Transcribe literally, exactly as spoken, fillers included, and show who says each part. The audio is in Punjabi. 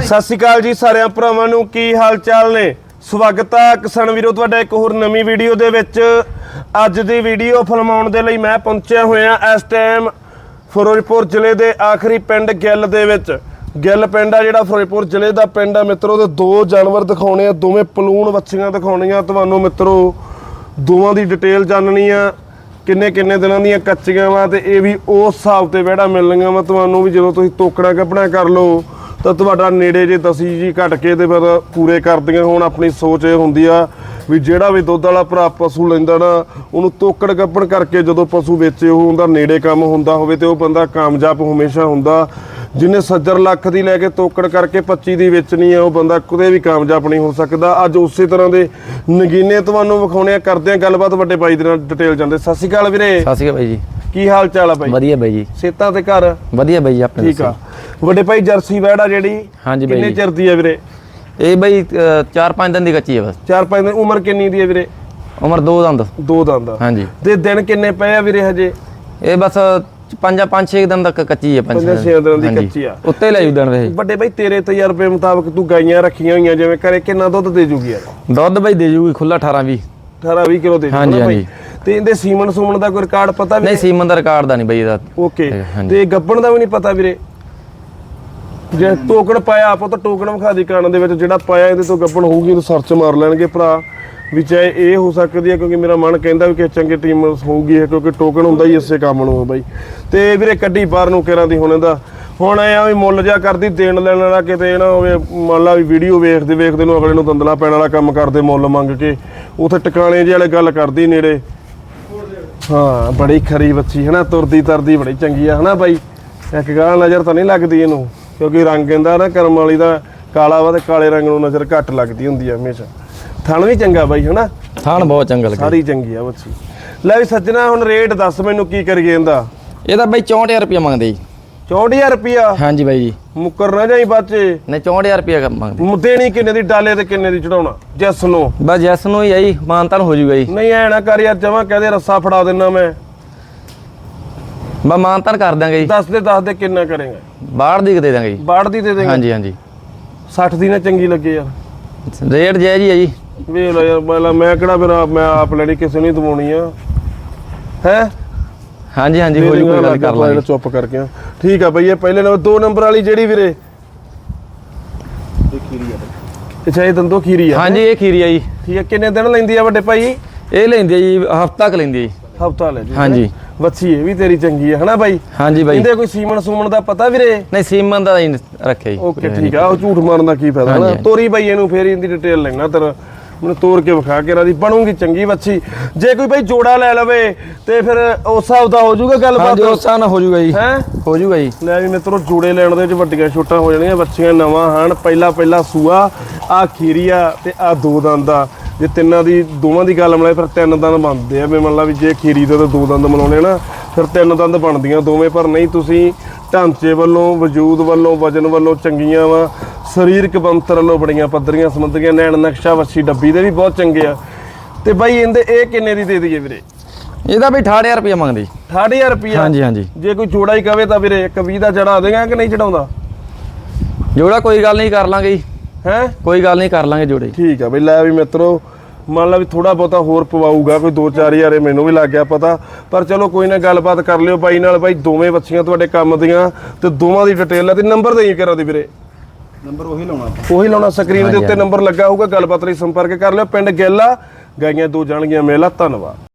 Speaker 1: ਸਤਿ ਸ਼੍ਰੀ ਅਕਾਲ ਜੀ ਸਾਰਿਆਂ ਭਰਾਵਾਂ ਨੂੰ, ਕੀ ਹਾਲ ਚਾਲ ਨੇ। ਸਵਾਗਤ ਹੈ ਕਿਸਾਨ ਵੀਰੋ ਤੁਹਾਡਾ ਇੱਕ ਹੋਰ ਨਵੀਂ ਵੀਡੀਓ ਦੇ ਵਿੱਚ। ਅੱਜ ਦੀ ਵੀਡੀਓ ਫਿਲਮਾਉਣ ਦੇ ਲਈ ਮੈਂ ਪਹੁੰਚਿਆ ਹੋਇਆ ਇਸ ਟਾਈਮ ਫਿਰੋਜ਼ਪੁਰ ਜ਼ਿਲ੍ਹੇ ਦੇ ਆਖਰੀ ਪਿੰਡ ਗਿੱਲ ਦੇ ਵਿੱਚ। ਗਿੱਲ ਪਿੰਡ ਆ ਜਿਹੜਾ ਫਿਰੋਜ਼ਪੁਰ ਜ਼ਿਲ੍ਹੇ ਦਾ ਪਿੰਡ ਆ ਮਿੱਤਰੋ। ਤੇ ਦੋ ਜਾਨਵਰ ਦਿਖਾਉਣੇ ਆ, ਦੋਵੇਂ ਪਲੂਣ ਵੱਛੀਆਂ ਦਿਖਾਉਣੀਆਂ ਤੁਹਾਨੂੰ ਮਿੱਤਰੋ। ਦੋਵਾਂ ਦੀ ਡਿਟੇਲ ਜਾਣਨੀ ਆ, ਕਿੰਨੇ ਕਿੰਨੇ ਦਿਨਾਂ ਦੀਆਂ ਕੱਚੀਆਂ ਵਾ ਤੇ ਇਹ ਵੀ ਉਸ ਹਿਸਾਬ ਤੇ ਵਿਹੜਾ ਮਿਲਣੀਆਂ ਵਾ ਤੁਹਾਨੂੰ ਵੀ। ਜਦੋਂ ਤੁਸੀਂ ਤੋਕੜਾ ਕੱਪੜਾ ਕਰ ਲਓ ਤਾਂ ਤੁਹਾਡਾ ਨੇੜੇ ਜੇ ਦਸੀ ਜੀ ਘਟ ਕੇ ਤੇ ਫਿਰ ਪੂਰੇ ਕਰਦੀਆਂ। ਹੁਣ ਆਪਣੀ ਸੋਚ ਇਹ ਹੁੰਦੀ ਆ ਵੀ ਜਿਹੜਾ ਵੀ ਦੁੱਧ ਵਾਲਾ ਭਰਾ ਪਸ਼ੂ ਲੈਂਦਾ ਨਾ, ਉਹਨੂੰ ਤੋਕੜ ਕੱਪੜ ਕਰਕੇ ਜਦੋਂ ਪਸ਼ੂ ਵੇਚੇ ਉਹ ਉਹਦਾ ਨੇੜੇ ਕੰਮ ਹੁੰਦਾ ਹੋਵੇ ਤੇ ਉਹ ਬੰਦਾ ਕਾਮਯਾਬ ਹਮੇਸ਼ਾ ਹੁੰਦਾ। ਜਿਹਨੇ ਸੱਜਰ ਲੱਖ ਦੀ ਲੈ ਕੇ ਤੋਕੜ ਕਰਕੇ ਪੱਚੀ ਦੀ ਵੇਚਣੀ ਆ, ਉਹ ਬੰਦਾ ਕਦੇ ਵੀ ਕਾਮਯਾਬ ਨਹੀਂ ਹੋ ਸਕਦਾ। ਅੱਜ ਉਸੇ ਤਰ੍ਹਾਂ ਦੇ ਨਗੀਨੇ ਤੁਹਾਨੂੰ ਵਿਖਾਉਣੇ ਆ, ਕਰਦੇ ਆ ਗੱਲਬਾਤ ਵੱਡੇ ਬਾਈ ਦੇ ਨਾਲ ਡਿਟੇਲ ਜਾਂਦੇ। ਸਤਿ ਸ਼੍ਰੀ ਅਕਾਲ ਵੀਰੇ।
Speaker 2: ਸਤਿ ਸ਼੍ਰੀ ਅਕਾਲ ਬਾਈ ਜੀ, ਕੀ
Speaker 1: ਹਾਲ ਚਾਲ ਆ ਬਾਈ?
Speaker 2: ਵਧੀਆ ਬਾਈ ਜੀ।
Speaker 1: ਸੇਤਾਂ ਤੇ ਘਰ
Speaker 2: ਵਧੀਆ ਬਾਈ ਜੀ ਆਪਣੇ।
Speaker 1: ਠੀਕ ਆ ਵੱਡੇ ਭਾਈ। ਜਰਸੀ ਵੈੜ ਆ ਜਿਹੜੀ,
Speaker 2: ਹਾਂਜੀ ਬਾਈ,
Speaker 1: ਕਿੰਨੇ ਚਿਰ ਦੀ ਆ ਵੀਰੇ?
Speaker 2: ਇਹ ਬਾਈ ਚਾਰ ਪੰਜ ਦਿਨ ਦੀ ਕੱਚੀ ਹੈ ਬਸ।
Speaker 1: ਚਾਰ ਪੰਜ ਦਿਨ। ਉਮਰ ਕਿੰਨੀ ਦੀ ਆ ਵੀਰੇ?
Speaker 2: ਉਮਰ ਦੋ ਦੰਦ।
Speaker 1: ਦੋ ਦੰਦ
Speaker 2: ਹਾਂਜੀ।
Speaker 1: ਤੇ ਦਿਨ ਕਿੰਨੇ ਪਏ ਆ ਵੀਰੇ ਹਜੇ?
Speaker 2: ਇਹ ਬਸ ਪੰਜ ਪੰਜ ਛੇ ਦਿਨ ਤੱਕ ਕੱਚੀ ਹੈ।
Speaker 1: ਪੰਜ ਛੇ ਦਿਨ ਦੀ ਕੱਚੀ ਆ,
Speaker 2: ਉੱਤੇ ਲੈ ਜੂ ਦਿਨ ਵੇ।
Speaker 1: ਵੱਡੇ ਬਾਈ ਤੇਰੇ ਤਜਰਬੇ ਮੁਤਾਬਕ ਤੂੰ ਗਾਈਆਂ ਰੱਖੀਆਂ ਹੋਈਆਂ ਜਿਵੇਂ ਘਰੇ, ਕਿੰਨਾ ਦੁੱਧ ਦੇ ਜੂਗੀ ਯਾਰ?
Speaker 2: ਦੁੱਧ ਬਾਈ ਦੇ ਜੂਗੀ ਖੁੱਲਾ ਅਠਾਰਾਂ ਵੀਹ
Speaker 1: ਅਠਾਰਾਂ ਵੀਹ ਕਿਲੋ ਦੇ ਜੂਗੀ।
Speaker 2: ਹਾਂਜੀ ਹਾਂਜੀ।
Speaker 1: ਤੇ ਇਹਦੇ ਸੀਮਨ ਸੂਮਨ ਦਾ ਕੋਈ ਰਿਕਾਰਡ ਪਤਾ ਵੀ?
Speaker 2: ਨਹੀਂ, ਸੀਮਨ ਦਾ ਰਿਕਾਰਡ ਦਾ ਨਹੀਂ ਬਾਈ ਇਹਦਾ।
Speaker 1: ਓਕੇ। ਤੇ ਗੱਬਣ ਦਾ ਵੀ ਨਹੀਂ ਪਤਾ ਵੀਰੇ? ਜੇ ਟੋਕਣ ਪਾਇਆ ਆਪਾਂ ਤਾਂ ਟੋਕਣ ਵਿਖਾ ਦੀ ਕਾਣ ਦੇ ਵਿੱਚ ਜਿਹੜਾ ਪਾਇਆ ਇਹਦੇ ਤੋਂ ਗੱਬਣ ਹੋਊਗੀ ਤਾਂ ਸਰਚ ਮਾਰ ਲੈਣਗੇ ਭਰਾ ਵੀ। ਚਾਹੇ ਇਹ ਹੋ ਸਕਦੀ ਹੈ ਕਿਉਂਕਿ ਮੇਰਾ ਮਨ ਕਹਿੰਦਾ ਵੀ ਕਿ ਚੰਗੇ ਟੀਮ ਹੋਊਗੀ ਇਹ, ਕਿਉਂਕਿ ਟੋਕਣ ਹੁੰਦਾ ਹੀ ਇਸੇ ਕੰਮ ਨੂੰ ਬਾਈ। ਤੇ ਵੀਰੇ ਕੱਢੀ ਬਾਹਰ ਨੂੰ ਕਿਰਾਂ ਦੀ ਹੁਣ ਇਹਦਾ ਹੁਣ ਐ ਆ ਵੀ ਮੁੱਲ ਜਿਹਾ ਕਰਦੀ ਦੇਣ ਲੈਣ ਵਾਲਾ, ਕਿਤੇ ਨਾ ਹੋਵੇ ਮੰਨ ਲਾ ਵੀ ਵੀਡੀਓ ਵੇਖਦੇ ਵੇਖਦੇ ਨੂੰ ਅਗਲੇ ਨੂੰ ਦੰਦਲਾ ਪੈਣ ਵਾਲਾ ਕੰਮ ਕਰਦੇ ਮੁੱਲ ਮੰਗ ਕੇ ਉੱਥੇ ਟਿਕਾਣੇ ਜਿਹੇ ਵਾਲੇ ਗੱਲ ਕਰਦੀ ਨੇੜੇ। ਹਾਂ ਬੜੀ ਖਰੀ ਬੱਚੀ ਹੈ ਨਾ, ਤੁਰਦੀ ਤਰਦੀ ਬੜੀ ਚੰਗੀ ਆ ਹੈ ਨਾ ਬਾਈ। ਇੱਕ ਗਾਲ ਨਜ਼ਰ ਤਾਂ ਨਹੀਂ ਲੱਗਦੀ ਇਹਨੂੰ ਕਿਉਂਕਿ ਰੰਗ ਇਹਦਾ ਨਾ ਕਰਮ ਵਾਲੀ ਦਾ ਕਾਲਾ ਵਾ ਤੇ ਕਾਲੇ ਰੰਗ ਨੂੰ ਨਜ਼ਰ ਘੱਟ ਲੱਗਦੀ ਹੁੰਦੀ ਆ ਹਮੇਸ਼ਾ। ਥਣ ਵੀ ਚੰਗਾ ਬਾਈ ਹੈ ਨਾ?
Speaker 2: ਥਣ ਬਹੁਤ ਚੰਗਾ ਲੱਗਾ,
Speaker 1: ਸਾਰੀ ਚੰਗੀ ਆ ਬੱਚੀ। ਲੈ ਵੀ ਸੱਜਣਾ ਹੁਣ ਰੇਟ ਦੱਸ ਮੈਨੂੰ ਕੀ ਕਰੀਏ ਇਹਦਾ?
Speaker 2: ਇਹਦਾ ਬਾਈ ਚੌਂਹਠ ਹਜ਼ਾਰ ਰੁਪਇਆ ਮੰਗਦੇ ਜੀ।
Speaker 1: ਚੌਂਹਠ ਹਜ਼ਾਰ ਰੁਪਇਆ? ਹਾਂਜੀ
Speaker 2: ਬਾਈ ਜੀ।
Speaker 1: ਮੁੱਕਰ ਨਾ ਜਾਈ ਬੱਚੇ।
Speaker 2: ਨਹੀਂ ਚੌਂਹਠ ਹਜ਼ਾਰ ਰੁਪਇਆ ਮੰਗਦੇ।
Speaker 1: ਦੇਣੀ ਕਿੰਨੇ ਦੀ ਡਾਲੇ ਤੇ ਕਿੰਨੇ ਦੀ ਚੜਾਉਣਾ? ਜੈਸ ਨੂੰ
Speaker 2: ਬਸ ਜੈਸ ਨੂੰ ਹੀ ਆਈ, ਮਾਨਤਾਨ ਹੋ ਜੂਗਾ ਜੀ।
Speaker 1: ਨਹੀਂ ਐ ਨਾ ਕਰ ਯਾਰ, ਜਮਾ ਕਹਦੇ ਰੱਸਾ ਫੜਾ ਦੇਣਾ ਮੈਂ।
Speaker 2: ਬਸ ਮਾਨਤਾਨ ਕਰ ਦਾਂਗੇ ਜੀ।
Speaker 1: ਦੱਸ ਦੇ ਦੱਸ ਦੇ ਕਿੰਨਾ ਕਰੇਗਾ?
Speaker 2: ਬਾਹਠ ਦੀ ਦੇ ਦਾਂਗੇ ਜੀ।
Speaker 1: ਬਾਹਠ ਦੀ ਦੇ ਦੇਗਾ?
Speaker 2: ਹਾਂਜੀ ਹਾਂਜੀ।
Speaker 1: ਸੱਠ ਦੀ ਨਾ ਚੰਗੀ ਲੱਗੇ ਯਾਰ।
Speaker 2: ਰੇਟ ਜਾਇਜ਼ ਹੀ ਆ ਜੀ।
Speaker 1: ਵੇਖ ਲਓ ਯਾਰ, ਮੈਂ ਮੈਂ ਕਿਹੜਾ ਫਿਰ ਮੈਂ ਆਪ ਲੈਣੀ, ਕਿਸੇ ਨੂੰ ਦਵਾਉਣੀ ਆ ਹੈ। ਹਾਂਜੀ ਹਾਂਜੀ ਹੋ ਜੂਗਾ, ਗੱਲ ਕਰ ਲਾਂਗੇ। ਚੁੱਪ ਕਰਕੇ ਠੀਕ ਆ ਬਈ। ਇਹ ਪਹਿਲੇ ਨੰਬਰ ਦੋ ਨੰਬਰ ਵਾਲੀ ਜਿਹੜੀ ਵੀਰੇ ਇਹ ਖੀਰੀ ਆ। ਅੱਛਾ ਇਹ ਦੰਦੋ ਖੀਰੀ ਆ? ਹਾਂਜੀ ਇਹ ਖੀਰੀ ਆ ਜੀ। ਠੀਕ ਆ। ਕਿੰਨੇ ਦਿਨ ਲੈਂਦੀ ਆ ਵੱਡੇ ਭਾਈ? ਇਹ ਲੈਂਦੀ ਆ ਜੀ ਹਫਤਾ ਕ ਲੈਂਦੀ ਆ ਜੀ। ਹਫਤਾ ਲੈ ਜੀ। ਹਾਂਜੀ। ਬੱਚੀ ਇਹ ਵੀ ਤੇਰੀ ਚੰਗੀ ਹੈ ਹਨਾ ਬਾਈ? ਹਾਂਜੀ ਬਾਈ। ਇਹਦੇ ਕੋਈ ਸੀਮਨ ਸੂਮਨ ਦਾ ਪਤਾ ਵੀਰੇ? ਨਹੀਂ ਸੀਮਨ ਦਾ ਹੀ ਰੱਖਿਆ ਜੀ। ਓਕੇ ਠੀਕ ਆ। ਉਹ ਝੂਠ ਮਾਰਨ ਦਾ ਕੀ ਫਾਇਦਾ ਨਾ। ਤੋਰੀ ਬਾਈ ਇਹਨੂੰ ਫੇਰ ਇਹਦੀ ਡਿਟੇਲ ਲੈਣਾ ਤੇਰਾ, ਮੈਨੂੰ ਤੋੜ ਕੇ ਵਿਖਾ ਕੇ ਰਾਦੀ ਬਣੂਗੀ ਚੰਗੀ ਬੱਚੀ। ਜੇ ਕੋਈ ਬਾਈ ਜੋੜਾ ਲੈ ਲਵੇ ਤੇ ਫਿਰ ਉਸ ਹਿਸਾਬ ਦਾ ਹੋ ਜਾਊਗਾ ਗੱਲਬਾਤ? ਉਸ ਹਿਸਾਬ ਨਾਲ ਹੋ ਜਾਊਗਾ ਜੀ। ਹੈ ਹੋ ਜਾਊਗਾ ਜੀ। ਲੈ ਵੀ ਮਿੱਤਰੋ ਜੋੜੇ ਲੈਣ ਦੇ ਵਿੱਚ ਵੱਡੀਆਂ ਛੋਟਾਂ ਹੋ ਜਾਣੀਆਂ। ਬੱਚੀਆਂ ਨਵਾਂ ਹਨ, ਪਹਿਲਾ ਪਹਿਲਾ ਸੂਆ। ਆ ਖੀਰੀ ਆ ਤੇ ਆ ਦੋ ਦੰਦ ਆ। ਜੇ ਤਿੰਨਾਂ ਦੀ ਦੋਵਾਂ ਦੀ ਗੱਲ ਮਿਲਾਏ ਫਿਰ ਤਿੰਨ ਦੰਦ ਬਣਦੇ ਆ। ਵੀ ਮੰਨ ਲਾ ਵੀ ਜੇ ਖੀਰੀ ਦੇ ਤਾਂ ਦੋ ਦੰਦ ਮਿਲਾਉਣੇ ਨਾ ਫਿਰ ਤਿੰਨ ਦੰਦ ਬਣਦੀਆਂ ਦੋਵੇਂ। ਪਰ ਨਹੀਂ ਤੁਸੀਂ ਢਾਂਚੇ ਵੱਲੋਂ, ਵਜੂਦ ਵੱਲੋਂ, ਵਜਨ ਵੱਲੋਂ ਚੰਗੀਆਂ ਵਾ। ਸਰੀਰਕ ਬੰਤਰ ਵੱਲੋਂ ਬੜੀਆਂ ਪੱਧਰੀਆਂ ਸਮੁੰਦਰੀਆਂ। ਨੈਣ ਨਕਸ਼ਾ ਵੱਛੀ ਡੱਬੀ ਦੇ ਵੀ ਬਹੁਤ ਚੰਗੇ ਆ। ਤੇ ਬਾਈ ਇਹਦੇ ਇਹ ਕਿੰਨੇ ਦੀ ਦੇ ਦਈਏ ਵੀਰੇ? ਇਹਦਾ ਵੀ ਅਠਾਹਠ ਹਜ਼ਾਰ ਰੁਪਇਆ ਮੰਗਦੇ। ਅਠਾਹਠ ਹਜ਼ਾਰ ਰੁਪਇਆ? ਹਾਂਜੀ ਹਾਂਜੀ। ਜੇ ਕੋਈ ਜੋੜਾ ਹੀ ਕਵੇ ਤਾਂ ਵੀਰੇ ਇੱਕ ਵੀਹ ਦਾ ਚੜਾ ਦੇਗਾ ਕਿ ਨਹੀਂ ਚੜਾਉਂਦਾ? ਜੋੜਾ ਕੋਈ ਗੱਲ ਨਹੀਂ, ਕਰ ਲਾਂਗੇ ਜੀ। ਹੈ ਕੋਈ ਗੱਲ ਨਹੀਂ, ਕਰ ਲਾਂਗੇ ਜੋੜੇ। ਠੀਕ ਆ ਬਈ। ਲੈ ਵੀ ਮਿੱਤਰੋ ਮੰਨ ਲਾ ਵੀ ਥੋੜਾ ਬਹੁਤਾ ਹੋਰ ਪਵਾਊਗਾ ਕੋਈ ਦੋ ਚਾਰ ਹਜ਼ਾਰ, ਮੈਨੂੰ ਵੀ ਲੱਗ ਗਿਆ ਪਤਾ। ਪਰ ਚਲੋ ਕੋਈ ਨਾ ਗੱਲਬਾਤ ਕਰ ਲਿਓ ਬਾਈ ਨਾਲ। ਬਾਈ ਦੋਵੇਂ ਬੱਚੀਆਂ ਤੁਹਾਡੇ ਕੰਮ ਦੀਆਂ ਤੇ ਦੋਵਾਂ ਦੀ ਡਿਟੇਲ ਹੈ। ਤੇ ਨੰਬਰ ਦੇਈ ਕਰਾਂ ਦੀ ਵੀਰੇ? ਨੰਬਰ ਉਹੀ ਲਾਉਣਾ ਉਹੀ ਲਾਉਣਾ ਸਕਰੀਨ ਦੇ ਉੱਤੇ ਨੰਬਰ ਲੱਗਾ ਹੋਊਗਾ। ਗੱਲਬਾਤ ਲਈ ਸੰਪਰਕ ਕਰ ਲਿਓ। ਪਿੰਡ ਗਿੱਲ ਆ, ਗਾਈਆਂ ਦੋ ਜਾਣਗੀਆਂ ਮੇਲਾ। ਧੰਨਵਾਦ।